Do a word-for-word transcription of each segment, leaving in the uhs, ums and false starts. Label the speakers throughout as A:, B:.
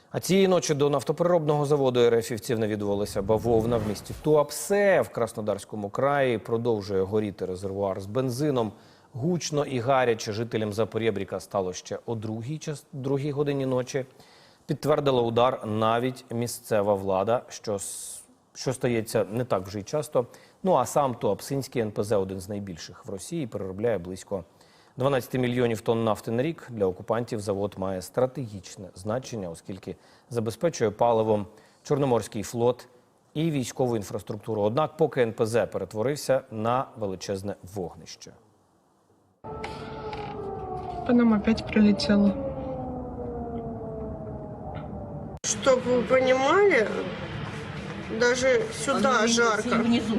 A: А цієї ночі до нафтопереробного заводу РФівців навідувалися бавовна в місті Туапсе в Краснодарському краї. Продовжує горіти резервуар з бензином. Гучно і гаряче жителям Запорєбріка стало ще о другій, час, другій годині ночі. Підтвердила удар навіть місцева влада, що, що стається не так вже й часто. Ну а сам Туапсинський ен пе зе, один з найбільших в Росії, переробляє близько дванадцять мільйонів тонн нафти на рік. Для окупантів завод має стратегічне значення, оскільки забезпечує паливом Чорноморський флот і військову інфраструктуру. Однак поки ен пе зе перетворився на величезне вогнище.
B: По нам опять прилетело.
C: Чтоб вы понимали, даже сюда жарко.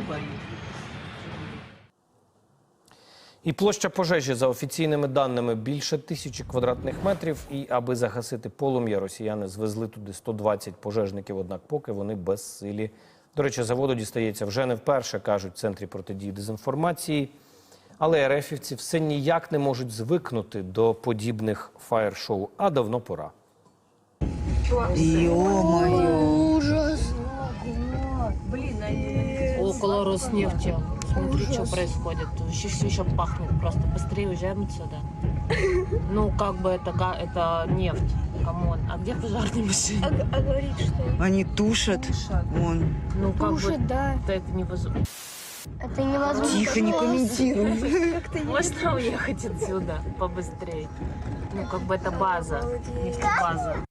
A: І площа пожежі, за офіційними даними, більше тисячі квадратних метрів. І аби загасити полум'я, росіяни звезли туди сто двадцять пожежників, однак поки вони безсилі. До речі, заводу дістається вже не вперше, кажуть в Центрі протидії дезінформації. Але РФівці все ніяк не можуть звикнути до подібних фаєр-шоу, а давно пора.
D: Ё-моё!
E: Ужас!
D: Около Роснефти. Смотри, что происходит. Еще все еще пахнет. Просто быстрее уезжаем отсюда. Ну, как бы это, га- это нефть. Камон. А где пожарные машины?
E: А, а говорит, что
D: Они тушат. Вон. Ну, как
E: тушит,
D: бы
E: да.
D: это невозможно.
E: Это невозможно.
D: Тихо, не комментируй.
E: Как-то
D: Можно уехать отсюда побыстрее? Ну, как бы это база. Нефтебаза.